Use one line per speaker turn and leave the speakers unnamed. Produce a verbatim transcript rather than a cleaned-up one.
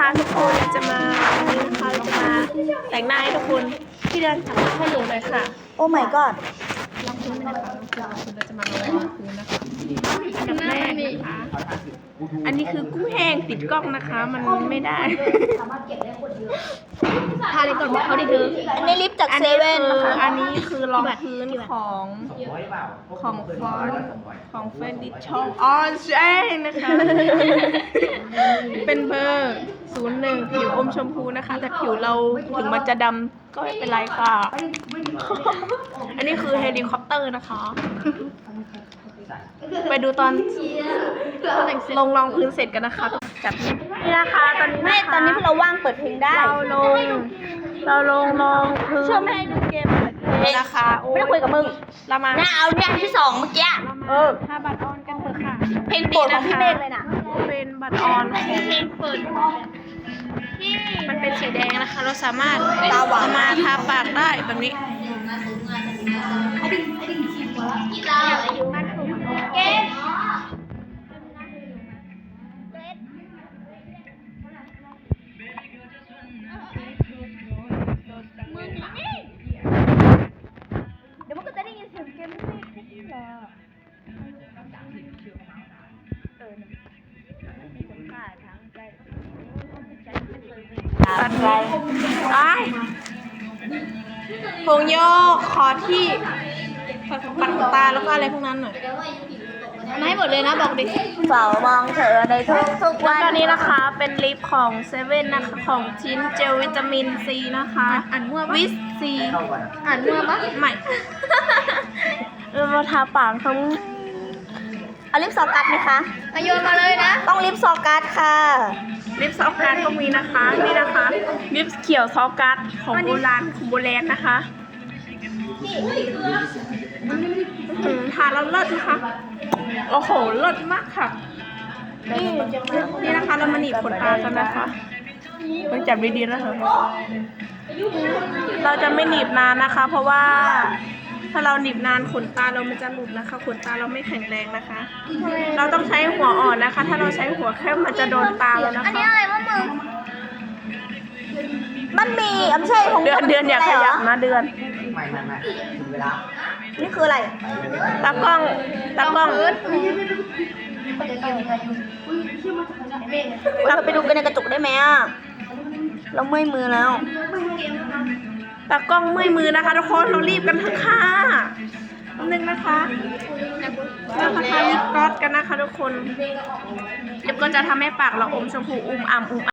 นะคะทุกคนจะมาวันนี้นะคะเราจะมาแต่งหน้าให้ทุกคนที่เดินจับให้หนูเลยค่ะ
โอ้ my god
ลองพื้นนะคะเราจะมาลองพื้นนะคะอันดับแรกนะคะอันนี้คือกุ้งแห้งติดกล้องนะคะมันไม่ได้ทาเลยก่อนบอกเขาดิเธอ
อันนี้ลิปจากเซเว่นนะคะ
อันนี้คือรองพื้นของของฟอนของเฟนดิชองออนเจนะคะเป็นเบอร์ศูนย์หนึ่งผิวอมชมพูนะคะแต่ผิวเราถึงมันจะดำก็ไม่เป็นไรค่ะ อันนี้คือเฮลิคอปเตอร์นะคะไปดูตอนลงรองพื้นเสร็จกันนะคะจับนี่นะคะตอนนี้
ไม่ตอนนี้พวกเราว่างเปิดเพลงได้
เราลงเราลงรองพื้น
เชื่อไม่ให้ดูเกมเลย
นะคะ
ไม่ได้คุยกับมึง
เรามา
น่าเอาเนี่ยที่สองเมื่อกี้เออ
ถ้าบัตรออนกันเถอะค่ะ
เพลงโปรดของพี่เมฆเลยนะ
เป็นบัตรออนเพลงเปิดที่มันเป็นสีแดงนะคะเราสามารถตาหวานมาทาปากได้แบบนี้
เกมเดี๋ยวมันก็จะได้ยินเสียงเกมที่นี่แหละ
ตัดไปไอ้ผงโยกขอที่ปัดขนตาแล้วก็อะไรพวกนั้นหน่อยไม่หมดเลยนะบอกดิ
เฝ้ามองเธอในทุกทุกวัน
ตอนนี้นะคะเป็นลิปของเซเว่นนะคะของชิ้นเจลวิตามินซีนะคะอ่านมั่วปะวิสซีอ่านมั่วปะไม่เราทาปากทั้ง
เอาลิปซอกัสไหมคะ
มาโยนมาเลยนะ
ต้องลิปซอกัสค่ะ
ลิปซอกัสก็มีนะคะนี่นะคะลิปเขียวซอกัสของโบราณของโบราณนะคะทาแล้วเลิศนะคะโอ้โหเลิศมากค่ะนี่นี่นะคะเรามาหนีบขนตากันนะคะต้องจับดีๆนะเถอะเราจะไม่หนีบนานนะคะ เพราะว่าถ้าเราหนีบนานขนตาเรามันจะหลุดนะคะขนตาเราไม่แข็งแรงนะคะเราต้องใช้หัวอ่อนนะคะถ้าเราใช้หัวเข้มมันจะโดนตาแล้วนะคะ
อันนี้อะไรวะมึงมันมีไม่ใช่ของ
เดือนเดือนอย่าขยับนะเดือน
ไม่ไม่ไม่ถึงเวลา
นี่คืออะไร
ตากล้องตากล้อง
เราไปดูกันในกระจกได้ไหมอ่ะเราเมื่อยมือแล้ว
ตากล้องเมื่อยมือนะคะทุกคนเรารีบกันเถอะค่ะนึงนะคะเราทาลิปกลอสกันนะคะทุกคนลิปก็จะทำให้ปากเราอมชมพูอุ้มอ่ำอุ้ม